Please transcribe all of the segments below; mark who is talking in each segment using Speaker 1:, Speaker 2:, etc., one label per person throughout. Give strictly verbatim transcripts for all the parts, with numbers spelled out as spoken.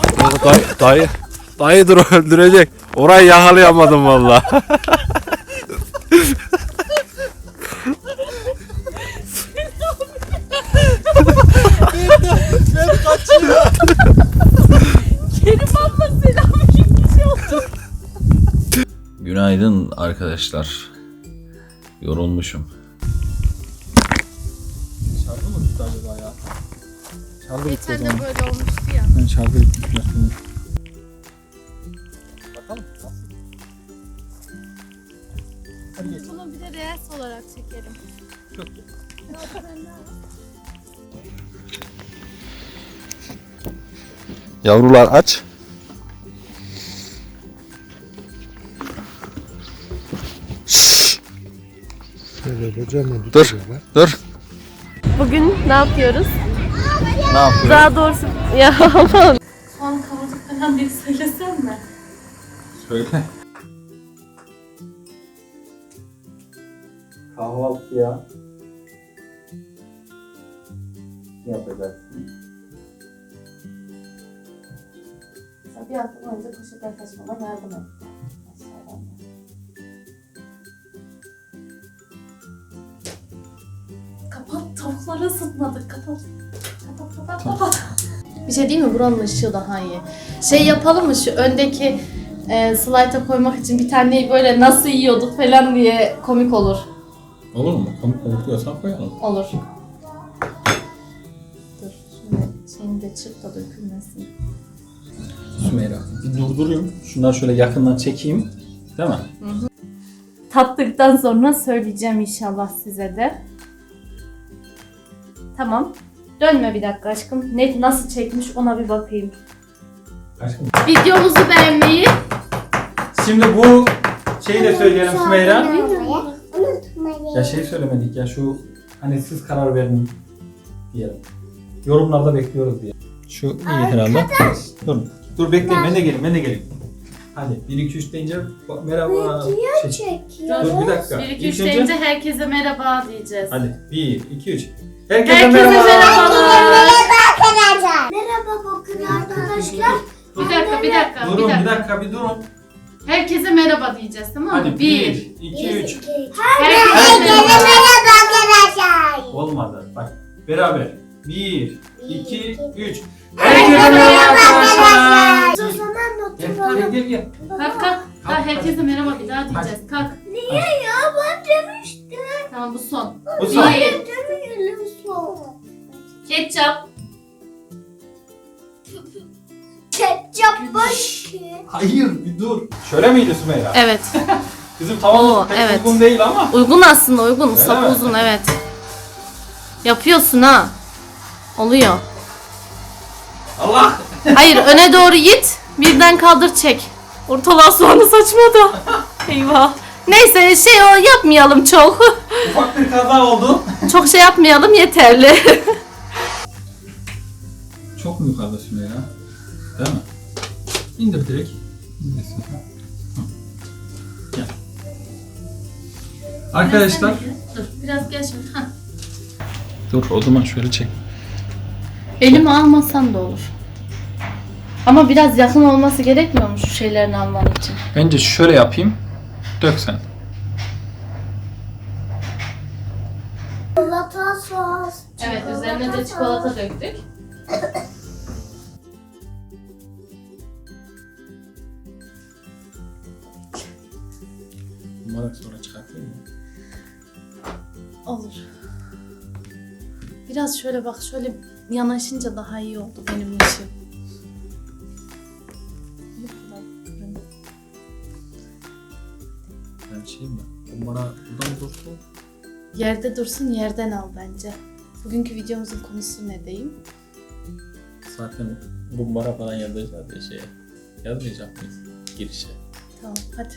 Speaker 1: Dayı, dayı, dayı dur öldürecek. Orayı yakalayamadım valla.
Speaker 2: Ben kaçıyorum.
Speaker 3: Kerim abla selamünaleyküm.
Speaker 4: Günaydın arkadaşlar. Yorulmuşum.
Speaker 2: Şarkı mı bitti acaba ya? Şarkı bitti o
Speaker 3: Geçen de
Speaker 2: zaman.
Speaker 3: böyle olmuştu ya.
Speaker 2: Ben şarkı bitmiş biraz sonra. Bakalım. Hadi geç.
Speaker 3: Bunu bir de reels olarak çekerim.
Speaker 2: Çok iyi.
Speaker 1: Yavrular aç. Şşş. Dur, dur.
Speaker 3: Bugün ne yapıyoruz?
Speaker 4: Ne yapıyoruz?
Speaker 3: Daha doğrusu ya aman. Soğan kavurduk falan diye söylesem mi?
Speaker 4: Söyle. Kahvaltıya ne yapacaksın?
Speaker 3: Bir hafta boyunca poşetten taşımama yardım etti. Aşağıdan da. Kapat, tavukları ısıtmadık. Kapat. Kapat, kapat, kapat. Bir şey değil mi? Buranın ışığı daha iyi. Şey yapalım mı şu öndeki e, slayta koymak için bir taneyi böyle nasıl yiyorduk falan diye komik olur.
Speaker 4: Olur mu? Komik korkuyorsan koyalım.
Speaker 3: Olur. Dur, şimdi şeyini de çırp da dökülmesin.
Speaker 4: Sümeyra, bir durdurayım. Şunları şöyle yakından çekeyim. Değil mi?
Speaker 3: Tattıktan sonra söyleyeceğim inşallah size de. Tamam. Dönme bir dakika aşkım. Ne, nasıl çekmiş ona bir bakayım.
Speaker 4: Aşkım.
Speaker 3: Videomuzu beğenmeyi.
Speaker 4: Şimdi bu şeyi de söyleyelim Sümeyra.
Speaker 5: Unutmayın.
Speaker 4: Ya şey söylemedik ya şu hani siz karar verin diyelim. Yorumlarda bekliyoruz diye. Şu iyi herhalde. Dur. Dur bekleyin ben de geleyim ben de geleyim. Hadi bir iki üç deyince bak, merhaba. Şey,
Speaker 5: Çekiyor.
Speaker 4: dur bir dakika.
Speaker 3: bir iki üç
Speaker 4: İlk önce-
Speaker 3: deyince herkese merhaba diyeceğiz.
Speaker 4: Hadi bir iki üç. Herkese,
Speaker 3: Herkese
Speaker 4: merhaba.
Speaker 3: merhabalar.
Speaker 5: Arkadaşlar. Merhaba bakın arkadaşlar.
Speaker 3: Bir dakika bir dakika bir
Speaker 4: Durun bir
Speaker 3: dakika.
Speaker 4: dakika bir durun.
Speaker 3: Herkese merhaba diyeceğiz tamam mı?
Speaker 4: Hadi
Speaker 3: bir.
Speaker 4: bir iki üç.
Speaker 3: Herkese
Speaker 5: Herkese
Speaker 3: merhaba.
Speaker 5: merhaba arkadaşlar.
Speaker 4: Olmadı. Bak beraber. bir iki üç.
Speaker 3: Herkese merhaba
Speaker 4: arkadaşlar.
Speaker 5: O zaman
Speaker 4: Gel
Speaker 5: oturalım.
Speaker 4: gel gel. gel.
Speaker 3: Kalk kalk. Daha herkese merhaba bir daha diyeceğiz. Kalk.
Speaker 5: Niye ya ben demiştim.
Speaker 3: Tamam bu son.
Speaker 4: Bu son.
Speaker 3: Bir.
Speaker 5: Demeyelim son.
Speaker 3: Ketçap.
Speaker 5: Ketçap baş ki.
Speaker 4: Hayır bir dur. Şöyle miydi Sümeyra?
Speaker 3: Evet.
Speaker 4: Bizim tavamız
Speaker 3: Oo,
Speaker 4: pek
Speaker 3: evet.
Speaker 4: uygun değil ama.
Speaker 3: Uygun aslında uygun.
Speaker 4: Öyle
Speaker 3: Sapı
Speaker 4: mi?
Speaker 3: uzun evet. Yapıyorsun ha. Oluyor.
Speaker 4: Allah.
Speaker 3: Hayır öne doğru git. Birden kaldır çek. Ortalığa soğanı saçmadı. Eyvah. Neyse şey o yapmayalım çok.
Speaker 4: Ufak bir kaza oldu.
Speaker 3: Çok şey yapmayalım yeterli.
Speaker 4: Çok mu yukarıda Sümeyra? Değil mi? İndir direkt. İndirsin. Hı. Gel. Arkadaşlar.
Speaker 3: Dur biraz gel şöyle. Hah.
Speaker 4: Dur o zaman şöyle çek.
Speaker 3: Elimi almasan da olur. Ama biraz yakın olması gerekmiyor mu şu şeylerini alman için?
Speaker 4: Bence şöyle yapayım. Dök sen.
Speaker 5: Çikolata sos.
Speaker 3: Evet üzerine de çikolata döktük.
Speaker 4: Umarım sonra çıkartayım mı?
Speaker 3: Olur. Biraz şöyle bak şöyle yanaşınca daha iyi oldu benim işim.
Speaker 4: Ben şey mi? O bana buradan dursun.
Speaker 3: Yerde dursun yerden al bence. Bugünkü videomuzun konusu ne diyeyim?
Speaker 4: Zaten kumbara falan yazacağız diye şeye. Yazmayacak mıyız? Girişe.
Speaker 3: Tamam hadi.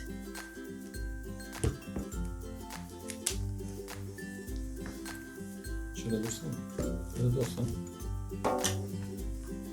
Speaker 4: Şöyle dursun. Şöyle dursun.